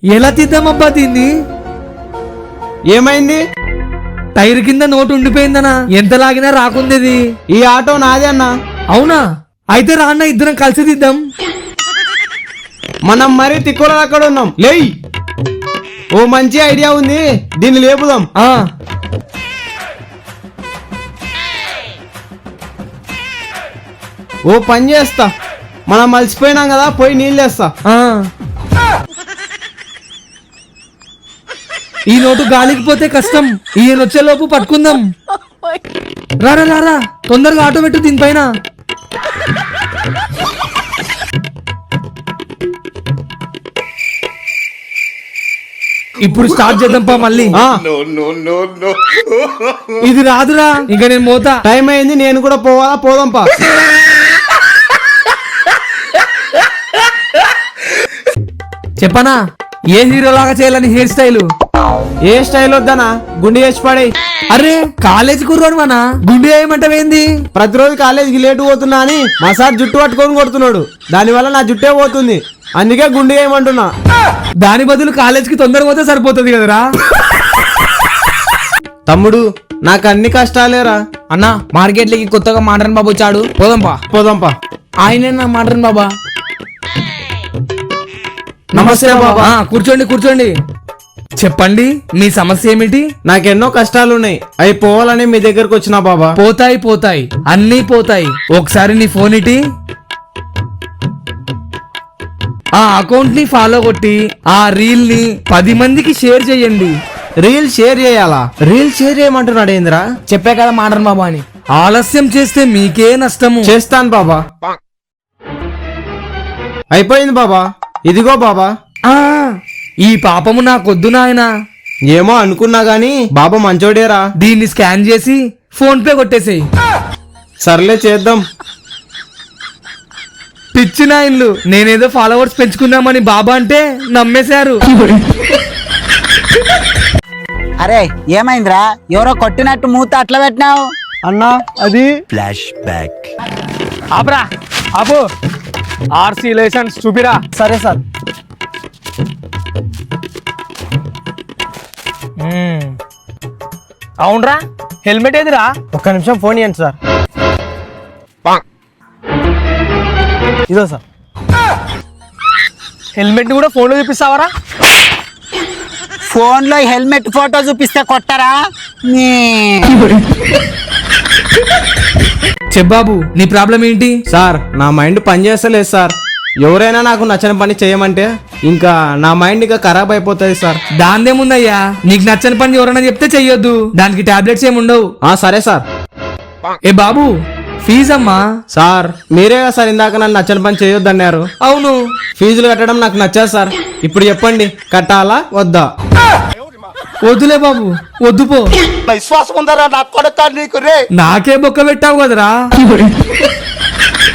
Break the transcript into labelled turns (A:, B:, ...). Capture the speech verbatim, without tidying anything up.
A: ఎలా తీద్దామబ్బా దీన్ని?
B: ఏమైంది?
A: టైర్ కింద నోటు ఉండిపోయిందనా, ఎంత లాగినా రాకుంది.
B: ఈ ఆటో నాదే అన్నా.
A: అవునా? అయితే రా అన్న, ఇద్దరం కలిసి తీద్దాం.
B: మనం మరీ తిక్కులో అక్కడ ఉన్నాం. లేయ్, ఓ మంచి ఐడియా ఉంది, దీన్ని లేపుదాం.
A: ఆ
B: ఓ పని చేస్తా, మనం మలిసిపోయినాం కదా, పోయి నీళ్ళు వేస్తా.
A: ఆ ఈ నోటు గాలికి పోతే కష్టం, ఈయన వచ్చే లోపు పట్టుకుందాం. రారా రారా, తొందరగా ఆటో పెట్టు దీనిపైన. ఇప్పుడు స్టార్ట్ చేద్దాంపా మళ్ళీ.
B: ఆ,
A: ఇది రాదురా, ఇంకా నేను మోతా.
B: టైం అయింది, నేను కూడా పోవాలా? పోదాంపా.
A: చెప్పనా ఏ హీరో లాగా చేయాలని హెయిర్ స్టైల్?
B: ఏ స్టైల్ వద్దనా, గుండె చేసి పడే.
A: అరే కాలేజ్ కుర్రోడు మన గుండె ఏమంటావేంది?
B: ప్రతిరోజు కాలేజీకి లేటు పోతున్నా అని మా సార్ జుట్టు పట్టుకొని కొడుతున్నాడు, దానివల్ల నా జుట్టే పోతుంది, అందుకే గుండె ఏమంటున్నా.
A: దాని బదులు కాలేజ్ కి తొందరగా పోతే సరిపోతుంది కదరా.
B: తమ్ముడు, నాకు అన్ని కష్టాలేరా.
C: అన్నా మార్కెట్లకి కొత్తగా మోడర్న్ బాబు వచ్చాడు, పోదాంపా.
B: పోదాంపా.
C: ఆయన మోడర్న్ బాబా.
B: నమస్తే బాబా.
A: ఆ, కూర్చోండి కూర్చోండి. చెప్పండి, మీ సమస్య ఏమిటి?
B: నాకెన్నో కష్టాలున్నాయి, అవి పోవాలని మీ దగ్గరకు వచ్చినా బాబా.
A: పోతాయి పోతాయి, అన్నీ పోతాయి. ఒకసారి నీ ఫోన్ ఇటీ. ఆ అకౌంట్ ని ఫాలో కొట్టి ఆ రీల్ ని పది మందికి షేర్ చేయండి.
B: రీల్ షేర్ చేయాలా? రీల్ షేర్ చేయమంటున్నాడు ఏంద్రా?
C: చెప్పే కదా మోడర్న్ బాబా అని.
A: ఆలస్యం చేస్తే మీకే నష్టము.
B: చేస్తాను బాబా. అయిపోయింది బాబా, ఇదిగో బాబా.
A: ఆ ఈ పాపము నాకొద్దు నాయనా.
B: ఏమో అనుకున్నా గాని బాబా మంచోడేరా.
A: దీన్ని స్కాన్ చేసి ఫోన్ పే కొట్టేసేయి.
B: సర్లే చేద్దాం.
A: పిచ్చి నాయన్లు, నేనేదో ఫాలోవర్స్ పెంచుకున్నామని బాబా అంటే నమ్మేశారు.
D: అరే ఏమైందిరా, ఎవరో కొట్టినట్టు మూత అట్లా పెట్టినావు?
B: అన్నా అది
E: ఫ్లాష్ బ్యాక్.
A: ఆపరా ఆపు, ఆర్సీ లైసెన్స్ చూపిరా.
B: సరే సార్.
A: అవునరా, హెల్మెట్ ఏదిరా?
B: ఒక్క నిమిషం ఫోన్ ఇవ్వండి సార్. ఇదో సార్.
A: హెల్మెట్ కూడా ఫోన్ లో చూపిస్తావరా?
D: ఫోన్ లో హెల్మెట్ ఫోటో చూపిస్తే కొట్టరా?
A: చెప్పాబు, నీ ప్రాబ్లం ఏంటి?
B: సార్, నా మైండ్ పని చేస్తలేదు సార్. ఎవరైనా నాకు నచ్చని పని చేయమంటే ఇంకా నా మైండ్ ఇంకా ఖరాబ్ అయిపోతుంది సార్.
A: దాందేముందయ్యా, నీకు నచ్చని పని ఎవరైనా చెప్తే చెయ్యొద్దు, దానికి టాబ్లెట్స్ ఏమి ఉండవు.
B: ఆ సరే సార్.
A: ఏ బాబు, ఫీజు అమ్మా.
B: సార్, మీరే కదా సార్ ఇందాక నన్ను నచ్చని పని చేయొద్దన్నారు.
A: అవును.
B: ఫీజులు కట్టడం నాకు నచ్చదు సార్. ఇప్పుడు చెప్పండి, కట్టాలా వద్దా?
A: వద్దులే బాబు, వద్దు పో.
E: విశ్వాసం ఉందరా నా కొడతా నీకు రే.
A: నాకే బొక్క పెట్టావు కదరా.